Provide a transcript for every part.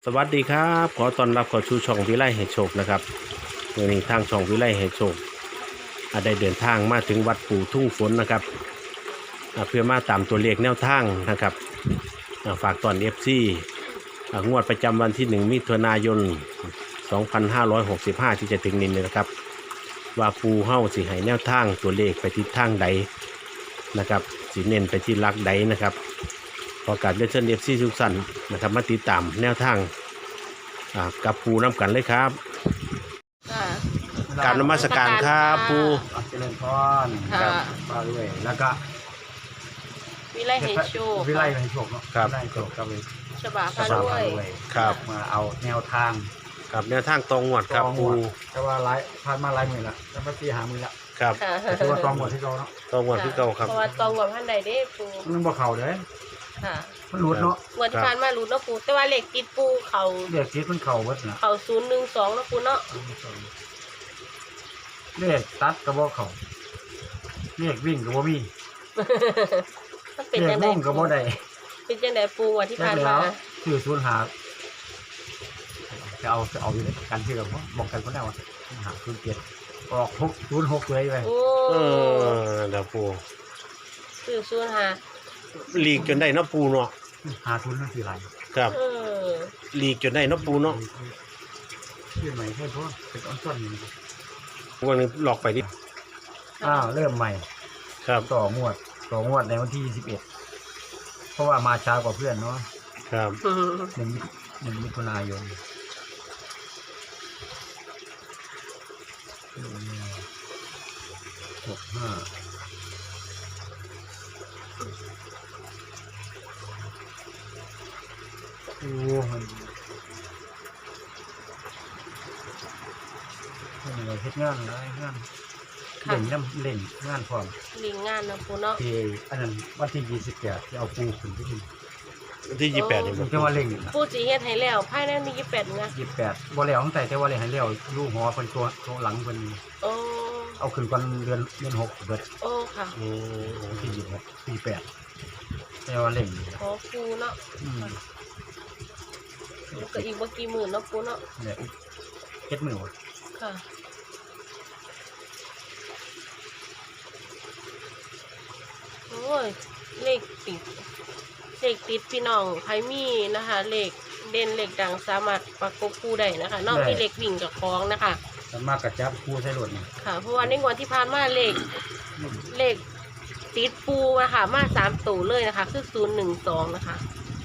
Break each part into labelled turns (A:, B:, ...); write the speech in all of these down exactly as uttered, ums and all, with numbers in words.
A: สวัสดีครับขอต้อนรับเข้าสู่ช่องวิไลให้โชคนะครับวันนี้ทางช่องวิไลให้โชคอ่าได้เดินทางมาถึงวัดปู่ทุ่งฝนนะครับอ่าเพื่อมาตามตัวเลขแนวทางนะครับอ่าฝากตอนเอฟซีงวดประจำวันที่หนึ่งมิถุนายนสองพันห้าร้อยหกสิบห้าที่จะถึงนี้นะครับว่าปู่เฮ้าสิให้แนวทางตัวเลขไปทิศทางใดนะครับสิเน้นไปที่ลักใดนะครับพอการเล่นเชิญเอฟซีทุกสันนะครับมาติดตามแนวทางกับปูน้ำกันเลยครับการนมัสการครับปู
B: เจริญพร
C: ค่ะ
B: มาเรื่อยแล้วก็
C: วิไลให้โชค
B: วิไลให้โชคเนาะ
A: ครับ
B: วิไลให้โชคครับเลย
C: ฉบาพาด้วย
A: ครับ
B: มาเอาแนวทาง
A: ครับแนวทางตรงหวดครับปู
B: แต่ว่าหลายผ่านมาหลายหมื่นละแล้วมาตีหาหมื่นละ
A: ครับ
C: ค่ะ
B: แต่ว่าตองหมดที่เราเนาะ
A: ตรงหวดที่เก่าครับ
C: เพราะว่าตองกับท่านใดได้ปู
B: มันบ่เข่าเลย
C: ค่ะ
B: มันหลุดเนาะ
C: งวันที่ผ่านมารู้เนาะปูแต่ว่าเหล็กติดปูเขา
B: เรียกคิดมันเข่าเบิดนะ
C: เขาศูนย์หนึ่งสองเนาะปูเนาะ
B: เรียกตัดกระบอกเข่าเรียกวิ่งกระบอกมี
C: มันเป็น
B: เรีย
C: จั
B: ก
C: งได
B: มุ่งกระบอกใด
C: เป็นจังไดปูงวันที่
B: แล้
C: ผ่าน
B: แล้
C: มาว
B: คือศูนย์หาจะเอาจะเอาอยู่ในการเชื่อมบอกกันคนแรกว่าหาศูนย์เจ็ดออกหกศูนย์หกเลยไป
C: โอ้
A: เออเดี๋ยวปู
C: คือศูนย์ห้า
A: ลีกจนได้เนาะปูเนาะ
B: หาทุนนั่นคืออะไร
A: ครับ
C: เออ
A: ลีกจนได้เนาะปูเนาะ
B: ชื่อใหม่แค่เพราะเป็นอ้อนต้นนี่
A: วันนี้หลอกไปดิ
B: อ้าวเริ่มใหม่
A: ครับ
B: ต่องวดต่องวดในวันที่สิบเอ็ดเพราะว่ามาช้ากว่าเพื่อนเนาะ
A: ครับ
C: อืม
B: หนึ่งหนึ่งมิถุนายนหกห้าโอ้มันมันอะไรเฮ็ดงานอะไรงานเล่นน้ำเล่นงานพร้อม
C: ลิงงานเนาะปูเนาะ
B: ที่อันนั้นวันที่ยี่สิบแปดที่เอาปูขึ้นไปที่
A: วันที่ยี่สิบแปดนี่
B: ผ
A: มั
B: ม
A: น
B: จะว่าเล่งนี่นะ
C: ปูสีเฮ็ดให้แล้วภายในมียี่สิบแปดเงา
B: ยี่สิบแปดบ่แล้วตั้งแต่แต่ว่าเล่งให้แล้วลูกหัวเป็นตัวตัวหลังเป็น
C: โอ้
B: เอาขึ้นก่อนเดือนเดือนหกเบิด
C: โอ้ค่ะ
A: อืม
B: วันที่ยี่สิบหกสี่แปดแต่ว่าเล่งนี่
C: ขอปูเนาะ
B: อืม
C: แล้วก็อีกบ่กี่หมื่นเนาะปูเนาะ
B: เนี่ยเฮ็ดมือวะ
C: ค่ะโอ้ยเลขติดเลขติดพี่น้องไพมีนะคะเลขเด่นเลขดังสามารถประกบคู่ได้นะคะนอกมีเลขวิ่งกับคล้องนะคะ
B: มันมากกระจับปูใส่รถนี่
C: ค่ะ เพราะว่าในงวดที่ผ่านมาเลขเลขติดปูนะคะมาสามตัวเลยนะคะ คือศูนย์หนึ่งสองนะคะ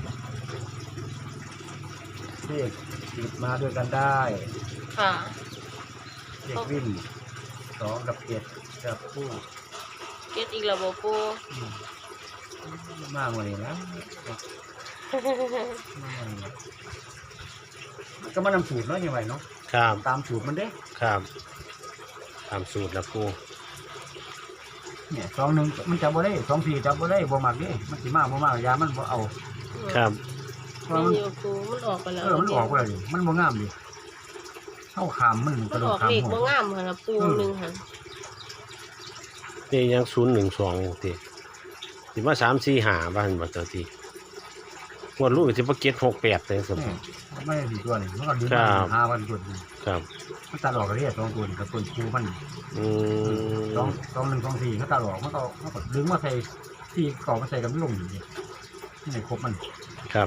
B: เลขติดมาด้วยกันได้
C: ค่ะ
B: เลขวิ่งสองกับเจ็ดกับปู
C: เก็ตอีกระบบปู
B: อืมมากกว่านี้นะมากกว่านี้นะก็มานำสูตรเนาะยังไงเนาะ
A: ครับ
B: ตามสูตรมันเด้
A: ครับตามสูตรแล้วปู
B: เนี่ยสองหนึ่งมันจับบ่ได้สองสี่จับบ่ได้บ่มักเด้มันสิมากบ่มากยามันบ่เอา
A: ครับ
B: เพราะ
C: ไม่
B: มัน
C: อยู่ปูมันออกไปแล้ว
B: เออมันออกไปแล้วดิมันบ่งามดิเข้าขามมันก
C: มั
B: ระ
C: น
B: โด
C: อ
B: ด
C: อก
B: ขาม
C: เลข
B: หั
C: บ่
B: ว
C: งามค่ะปูหนึ่งค่ะ
A: นี่ยังศูนย์หนึ่งสองทีสิมาสามสี่หาบ้านบ่เจ้าทีงวดลูกสิมาเก็ตหกแปดเลยสม
B: เนี่ยไม่ได้ดีตัวนี่มันก็ดึง
A: ครั
B: มา
A: บ
B: ห้าวันตัวนี่
A: ครับ
B: มันตัดออกก็เรียกสองตัวนี่กับตัวคูมัน
A: อืม
B: สองสองหนึ่งสองสี่เขาตัดออกมันก็มันก็ดึงมาใส่ที่เก่ามาใส่กับลงอยู่นี่ที่ไหนครบมัน
A: ครับ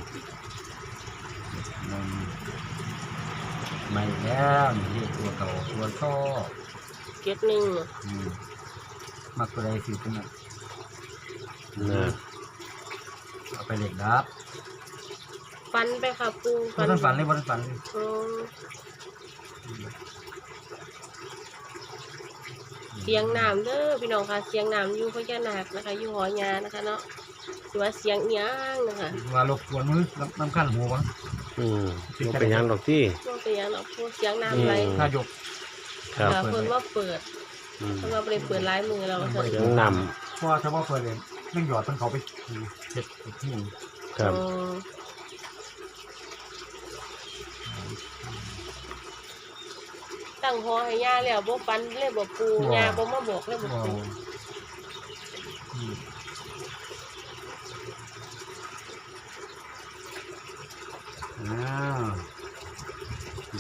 B: มันไม่แล้วนี่ตัวเก่าตัวท่อ
C: เก็ตหนึ่ง
B: อืมมักตัวใดสิตัวนั้น
A: นะ
B: เอาไปเหล็กดับ
C: ฟันไปค่ะปู
B: บนฝันเลยบนฝันเลย
C: อืมเสียงน้ำเด้อพี่น้องค่ะเสียงน้ำอยู่พญานาคนะคะอยู่หอยานะคะเนาะหรือว่าเสียงเอียงนะคะ
B: ว่ารบกวนมือน้ำน้ำขั้นหัววะ
A: อืมบ่เป็นหยังดอกที่
C: ว่าเป็นหยังเนาะพูดเสียงน้ำไหล
A: อืม
B: ถ้ายก
A: ครับ
C: ค่ะเพิ่นว่าเปิด
A: อืม
C: เพิ่นว่าบ่ไปเปิดร้ายมือเรา
B: เปิ
C: ค่ะ
B: ด
A: เสียงน
B: เพราะว่าถ้าว่าเปิดเลยแม่งหยอดต้นเขาไปเจ็ดที่หนึ่ง
A: ำครับ
C: อืมตั้งหอให้ย่าแล้วบ่ฟันเลยบ่ปูย่าบ่มาบอกเลยบ่
B: ว้าว
C: ปู
B: อืมอ้าว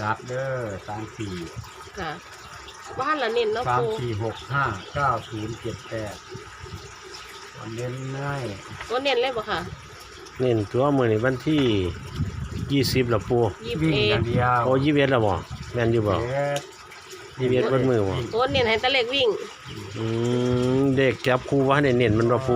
B: ดับเด้อสามสี่
C: ค่ะบ้านละเน้นเนาะ
B: สาม
C: ปู
B: สี่หกห้าเก้าศูนย์เจ็ดแปดวันเน้นง่าย
C: ตัวเน้นเลยบ่ค่ะ
A: เน้นตัวมื้อนี้วันที่ยี่สิบแล้วปู
C: ยี่สิบ
B: วิ่ง
C: เอ็
B: อ
C: ด
B: ย่างเดียว
A: โอ้ยี่สิบเอ็ดแล้วบ่แม่นอยู่บ่
B: เอ็ด
A: ยี่สิบเอ็ดเบิดมือบ่
C: ตัวเน้นให้แตะเล็กวิ่ง
A: อืมเด็กจับคู่ว่าให้เน้นๆมันบ่ปู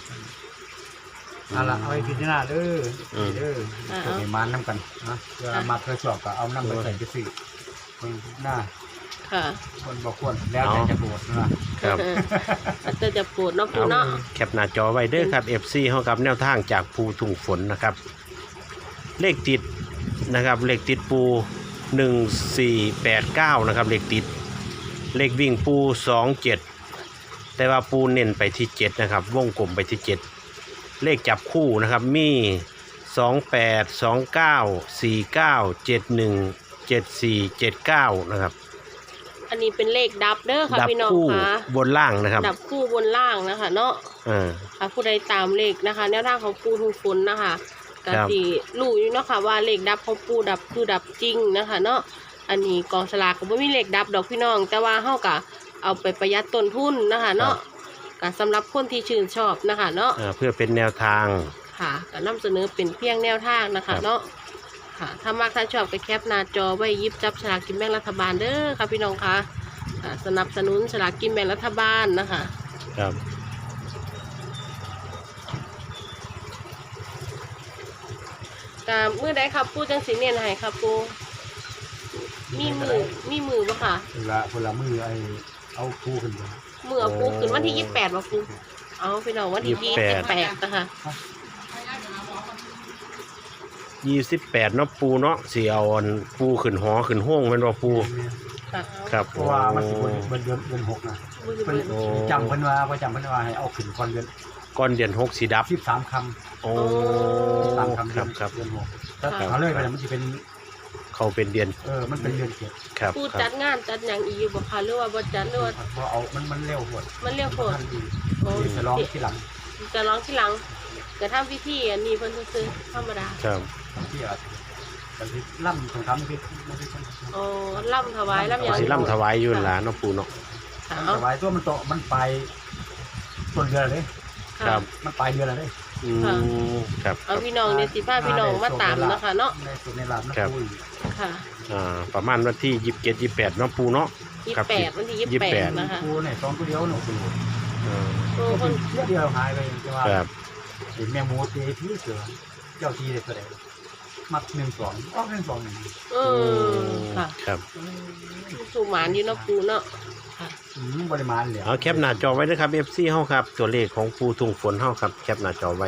B: เอาละเอาไปพิจารณาเด้อ
A: อืม
B: เด้อ
C: อ่า
B: ตัวในมันน้ำกันนะเวลามาเคยสอบก็เอาน้ำไปใส่ไปสิคนหน้า
C: ค่ะ
B: คนบอกควรแล้วแต่จะโกรธนะครับ
C: อาจจะจะปวดเนาะปู
A: เอา
C: เนาะ
A: แคปหน้าจอไว้เด้อครับ เอฟ ซี เฮากับแนวทางจากภูทุ่งฝนนะครับ เลขติดนะครับ เลขติดปูหนึ่งสี่แปดเก้านะครับ เลขติด เลขวิ่งปูสองเจ็ดแต่ว่าปูเน้นไปที่เจ็ดนะครับ วงกลมไปที่เจ็ดเลขจับคู่นะครับ มีสองแปด สองเก้า สี่เก้า เจ็ดหนึ่ง เจ็ดสี่ เจ็ดเก้านะครับ
C: อันนี้เป็นเลขดับเด้อค่ะ
A: ดับ
C: พี่น้อง
A: คู่
C: ค่ะ
A: บนล่างนะครับ
C: ดับคู่บนล่างนะคะ เนาะ
A: อ่า
C: ค่ะผู้ใดตามเลขนะคะแนวทางของปูทุงฝนนะคะก็
A: ครับ
C: สิรู้อยู่เนาะค่ะว่าเลขดับของปูดับคือดับจริงนะคะเนาะอันนี้กองสลากก็บ่มีเลขดับดอกพี่น้อง แต่ว่าเฮาก็เอาไปประหยัดต้นทุนนะคะเนาะก็สำหรับคนที่ชื่นชอบนะคะเนาะ
A: อ่าเพื่อเป็นแนวทาง
C: ค่ะก็นำเสนอเป็นเพียงแนวทางนะ
A: ครั
C: คะ
A: บ
C: เนาะค่ะถ้ามากถ้าชอบก็แคปหน้าจอไว้หยิบจับฉลากกินแบ่งรัฐบาลเด้อค่ะพี่น้องค่ะอ่าสนับสนุนฉลากกินแบ่งรัฐบาลนะคะ
A: ครับ
C: ก็มือใดครับปูจังสีเนียนให้ครับปูมีมือมีมือปะค่ะ
B: เวลาเวลามือไอเอาคู่ขึ้นมา
C: มือเอาปูขึ้นวันที่ยี่สิบแปดปะปูเอาพี่น้องวันที่ยี่สิบแปดนะคะ
A: ยี่สิบแปดเนาะปูเนาะสีเอาอันปูขึ้นหอขึ้นห้องแมันว่าปู
C: ค่ะ
A: ครับ
B: เพราะว่ามันสิบนเดือนเดือนหกนะ
C: มือ
B: เพิ่น
A: โอ้
B: จำเพิ่นว่าว่าจำเพิ่นว่าให้เอาขึ้นก่อนเดือน
A: ก้อนเดือนหกสีดับ
B: สิบสามค
A: โอ้
B: ำสามคำ
A: ค
B: เดื
A: รั
B: อบ น
A: ครับ
B: เดือนหกถ้าเขาเลยไปมันจะเป็น
A: เขาเป็นเดือน
B: เออมันเป็นเดือนเจ็ด
A: ครับ
C: ปู
A: ค
C: จั
A: รั
C: ด
A: บ
C: งานจัดอย่างอีกบ่ค่ะหรือว่าบ่จัดหรือว่า
B: เพราะเอามันมันเร็วหมด
C: มันเรียกโคตร
B: ทันที
C: โอ้
B: เดี๋ยวจะร้องที่หลัง
C: จะร้องที่หลังจะทำพิธีอันนี้เพิ่นซื้อๆธรรมดา
A: ครับ
B: ที่อาจจะที่ล่ำของคำที่ไม่ใช่
C: โอ้ล่ำถวายล่ำหยั
A: เอา
C: ง
A: สิล่ำถวายอยืนหลานเนาะปูเนาะ
C: ค่ะ
B: มัน
C: เอา
B: สบายตัวมันโตมันไปต้นเดือนเลย
A: ครั
C: ค่ะ
A: บ
B: มันปลายเดือนเลย
A: อืมครับค
C: เอา
A: รับ
C: พี่น้องเนี่ยสิพาพี่น้องมาตามนะคะเนาะ
B: ในสุดในลาบนะ
A: ครับ
B: คุย
C: ค่ะ
A: อ่าประมาณวันที่ยี่สิบเจ็ดยี่สิบแปดเนาะปูเนาะ
C: ยี่
A: ครั
C: สิ
A: บ
C: บแปดวันที่ยี่
A: ยี่
C: สิ
A: สิ
C: บบ แป
A: แป
C: ด
A: ด
C: นะคะ
B: กูเนี่ยสองตัวเดียวหนูกู
A: อ่า
C: โอ้คน
B: เดียวเดียวหายไปจะว่า
A: ครับ
B: เห็นแมงมูเตะที่เสือเจ้าทีเลยแสดงมักหนึ่งสองออกหนึ่งสองหนึ่ง
C: เออค่ะ
A: ครับ
C: สูหมานอยู่เนาะปูเนาะค่ะ
B: อืมปริมาณเหลือ
A: เอาแคปหน้าจอไว้ด้วยครับ เอฟ ซี เฮาครับ ตัวเลขของปูทุ่งฝนเฮาครับ แคปหน้าจอไว้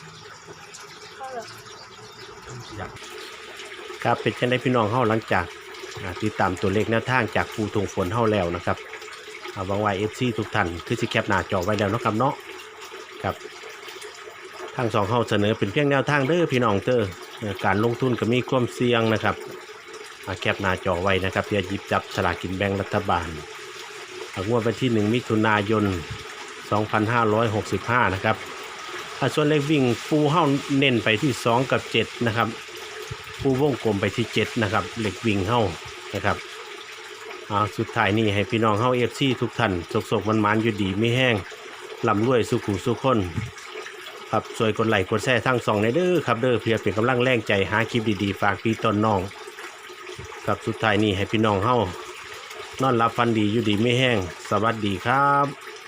B: อยาก
A: ครับเป็นจังได๋พี่น้องเฮาหลังจากอ่าติดตามตัวเลขแนวทางจากปูทุ่งฝนเฮาแล้วนะครับอ่าหวังว่า เอฟ ซี ทุกท่านคือสิแคปหน้าจอไว้แล้วเนาะครับเนาะครับทางสองเฮาเสนอเป็นเพียงแนวทางเด้อพี่น้องเด้อเอ่อการลงทุนก็มีความเสี่ยงนะครับอ่าแคปหน้าจอไว้นะครับเพื่อหยิบจับสลากกินแบ่งรัฐบาลอ่างวดวันที่หนึ่งมิถุนายนสองพันห้าร้อยหกสิบห้านะครับอ่าส่วนเลขวิ่งปูเฮาเน้นไปที่สองกับเจ็ดนะครับ ผู้วงกลมไปที่เจ็ดนะครับเหล็กวิ่งเฮ้านะครับอ่าสุดท้ายนี่ให้พี่น้องเฮ้าเอฟซีทุกท่านสกๆมันมันๆอยู่ดีไม่แห้งลำรวยสุขุสุขคนครับสวยกดไลค์กดแชร์ทั้งสองในเด้อครับเด้อเพื่อเป็นกำลังแรงใจหาคลิปดีๆฝากพี่ต้นน้องครับสุดท้ายนี่ให้พี่น้องเฮ้านอนรับฟันดีอยู่ดีไม่แห้งสวัสดีครับ